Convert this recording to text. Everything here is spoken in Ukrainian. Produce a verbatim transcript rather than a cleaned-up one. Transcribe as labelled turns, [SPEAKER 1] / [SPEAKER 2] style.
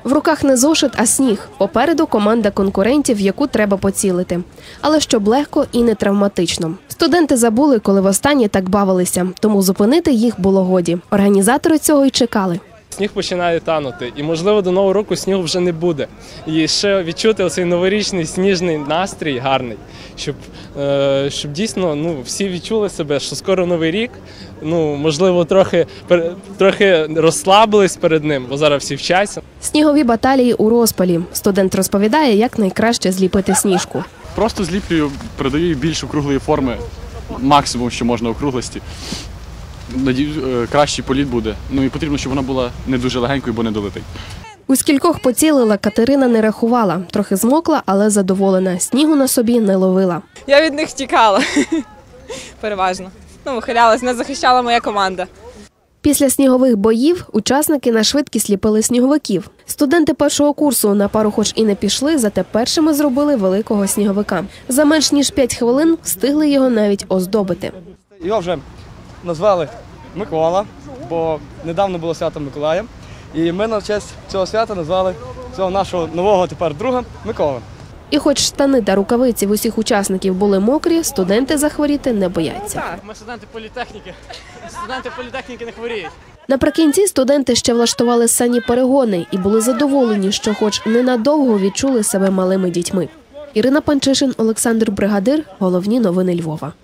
[SPEAKER 1] В руках не зошит, а сніг. Попереду команда конкурентів, в яку треба поцілити. Але щоб легко і не травматично. Студенти забули, коли востаннє так бавилися, тому зупинити їх було годі. Організатори цього й чекали.
[SPEAKER 2] Сніг починає танути, і, можливо, до Нового року снігу вже не буде. І ще відчути оцей новорічний сніжний настрій гарний, щоб, е, щоб дійсно ну, всі відчули себе, що скоро Новий рік, ну, можливо, трохи, трохи розслабились перед ним, бо зараз всі вчаться.
[SPEAKER 1] Снігові баталії у розпалі. Студент розповідає, як найкраще зліпити сніжку.
[SPEAKER 3] Просто зліплюю, передаю їй більш округлої форми, максимум, що можна округлості. Надію, кращий політ буде. Ну і потрібно, щоб вона була не дуже легенькою, бо не долетить.
[SPEAKER 1] У скількох поцілила, Катерина не рахувала. Трохи змокла, але задоволена. Снігу на собі не ловила.
[SPEAKER 4] Я від них тікала. Переважно. Ну, вихилялась, не захищала моя команда.
[SPEAKER 1] Після снігових боїв учасники на швидкість ліпили сніговиків. Студенти першого курсу на пару хоч і не пішли, зате першими зробили великого сніговика. За менш ніж п'ять хвилин встигли його навіть оздобити.
[SPEAKER 5] Його вже назвали Микола, бо недавно було свято Миколая. І ми на честь цього свята назвали цього нашого нового тепер друга Микола.
[SPEAKER 1] І хоч штани та рукавиці в усіх учасників були мокрі, студенти захворіти не бояться.
[SPEAKER 6] Ми студенти політехніки. Студенти політехніки не хворіють.
[SPEAKER 1] Наприкінці студенти ще влаштували сані перегони і були задоволені, що хоч ненадовго відчули себе малими дітьми. Ірина Панчишин, Олександр Бригадир. Головні новини Львова.